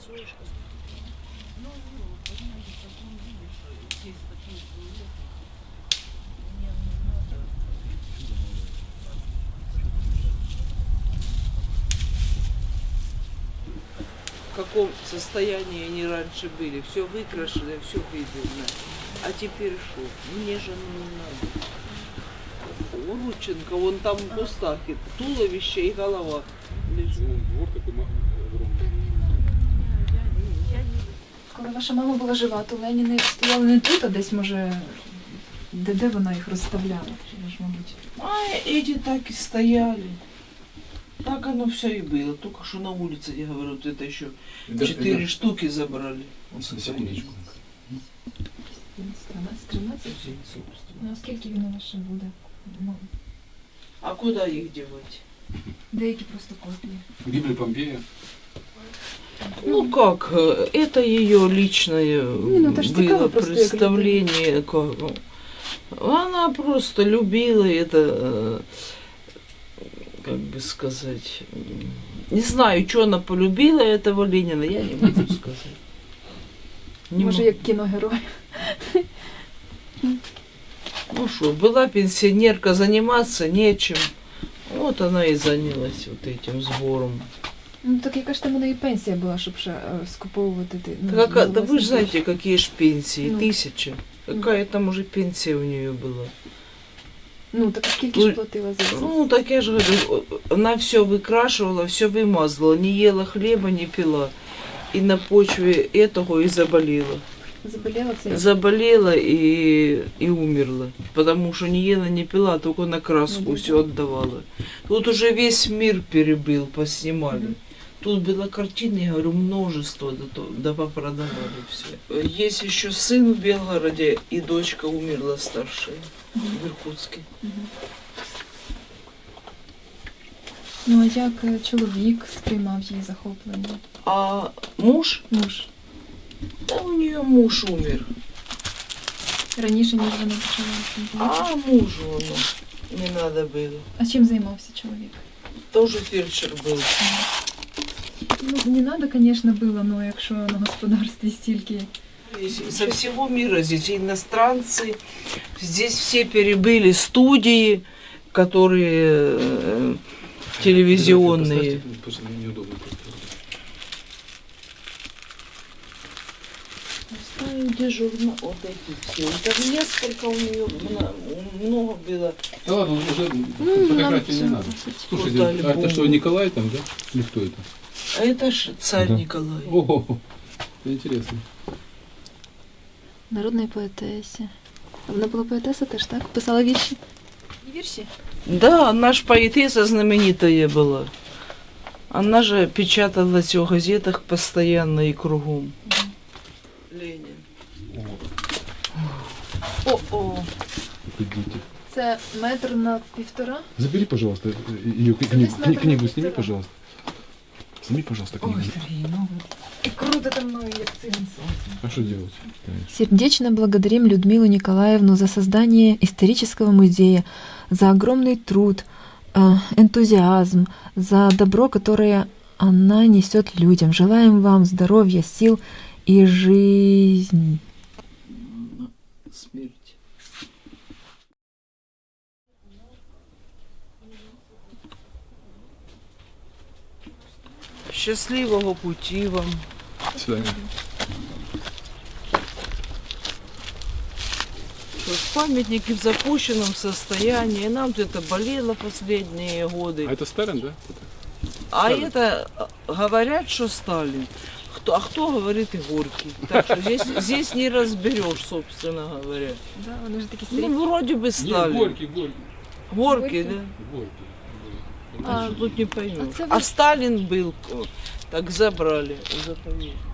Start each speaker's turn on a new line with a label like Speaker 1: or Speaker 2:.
Speaker 1: В каком состоянии они раньше были. Все выкрашено, все видно. А теперь что? Мне же не надо. У Рудченко, вон там в кустах, туловище и голова лежит.
Speaker 2: Коли ваша мама була жива, то Леніни стояли не тут, а десь, може, де вона їх розставляла? Чи ж, мабуть.
Speaker 1: А эти так и стояли. Так оно все и было. Только что на улице, я говорю, вот это еще 4 штуки забрали.
Speaker 3: Секундочку.
Speaker 2: 13? Ну, а скільки він у вас ще буде? Ну,
Speaker 1: А куда их девать?
Speaker 2: деякі просто копії.
Speaker 3: Библия Помпея.
Speaker 1: Ну как, это ее личное
Speaker 2: это ж цікаво
Speaker 1: было
Speaker 2: просто, як
Speaker 1: представление. Как, она просто любила это, как бы сказать, не знаю, что она полюбила этого Ленина, я не могу сказать. Не
Speaker 2: Може,
Speaker 1: могу.
Speaker 2: як кіногерой.
Speaker 1: Ну что, была пенсионерка, заниматься нечем. Вот она и занялась вот этим сбором.
Speaker 2: Ну, так яка ж там у неї пенсія була, щоб ще скуповувати?
Speaker 1: Да вы же знаете, какие ж пенсии,
Speaker 2: Ну.
Speaker 1: 1000. Какая там уже пенсия у нее была.
Speaker 2: Ну, так скільки ж платила за це?
Speaker 1: Ну, так я же говорю, она все выкрашивала, все вымазала, не ела хлеба, не пила. И на почве этого и заболела.
Speaker 2: Заболіла це?
Speaker 1: Заболела и умерла. Потому что не ела, не пила, только на краску
Speaker 2: Ну,
Speaker 1: все отдавала. Тут уже весь мир перебил, поснимали. Тут было картины, я говорю, множество, да попродавали все. Есть еще сын в Белгороде, и дочка умерла старшая в Иркутске.
Speaker 2: Ну, а як чоловік сприймав її захоплення?
Speaker 1: А муж?
Speaker 2: Муж.
Speaker 1: Да у нее муж умер.
Speaker 2: Раніше, ніж вона почала.
Speaker 1: А мужу не надо было.
Speaker 2: А чим займався чоловік?
Speaker 1: Тоже фельдшер был.
Speaker 2: Ну, не треба, звісно, було, але якщо на господарстві стільки...
Speaker 1: Со всего мира здесь иностранцы. Здесь все перебыли студии, которые телевизионные.
Speaker 3: Неудобно просто.
Speaker 1: Ставим дежурно вот эти все. Там несколько у нее много было.
Speaker 3: Да ладно, уже
Speaker 2: Ну,
Speaker 3: фотографии не надо. Слушайте,
Speaker 1: Вот
Speaker 3: а это
Speaker 1: альбом.
Speaker 3: что, Николай там, да? Или кто это?
Speaker 1: А это ж царь
Speaker 3: Да.
Speaker 1: Николай.
Speaker 3: О, интересно.
Speaker 2: Народної поетесі. Вона була поетеса теж, так? Писала вірші? Вірші?
Speaker 1: Да, она ж поэтесса знаменитая была. Она же печаталась в газетах постоянно и кругом. Ленин. О-о.
Speaker 3: Идите.
Speaker 2: Це метр на 1,5.
Speaker 3: Забери, пожалуйста, ее книгу сними, пожалуйста. Сними, пожалуйста, книгу.
Speaker 1: Сергей, ну
Speaker 2: І крутите мною, як циган сонце.
Speaker 3: А что делать?
Speaker 2: Сердечно благодарим Людмилу Николаевну за создание исторического музея, за огромный труд, энтузиазм, за добро, которое она несет людям. Желаем вам здоровья, сил и жизни.
Speaker 1: смерть. Счастливого пути вам.
Speaker 3: До свидания.
Speaker 1: Что ж, памятники в запущенном состоянии. Нам это болело последние годы.
Speaker 3: А это Сталин, да?
Speaker 1: А
Speaker 3: Сталин.
Speaker 1: это говорят, что Сталин. А кто говорит и Горький. Так что здесь не разберешь, собственно говоря.
Speaker 2: Да, вони ж такі
Speaker 1: Ну, вроде бы Сталин.
Speaker 3: Горький.
Speaker 1: Горький, да?
Speaker 3: Горький.
Speaker 1: А тут не поймешь.
Speaker 2: А це
Speaker 1: А
Speaker 2: ви-
Speaker 1: Сталин был, так забрали в заповедник.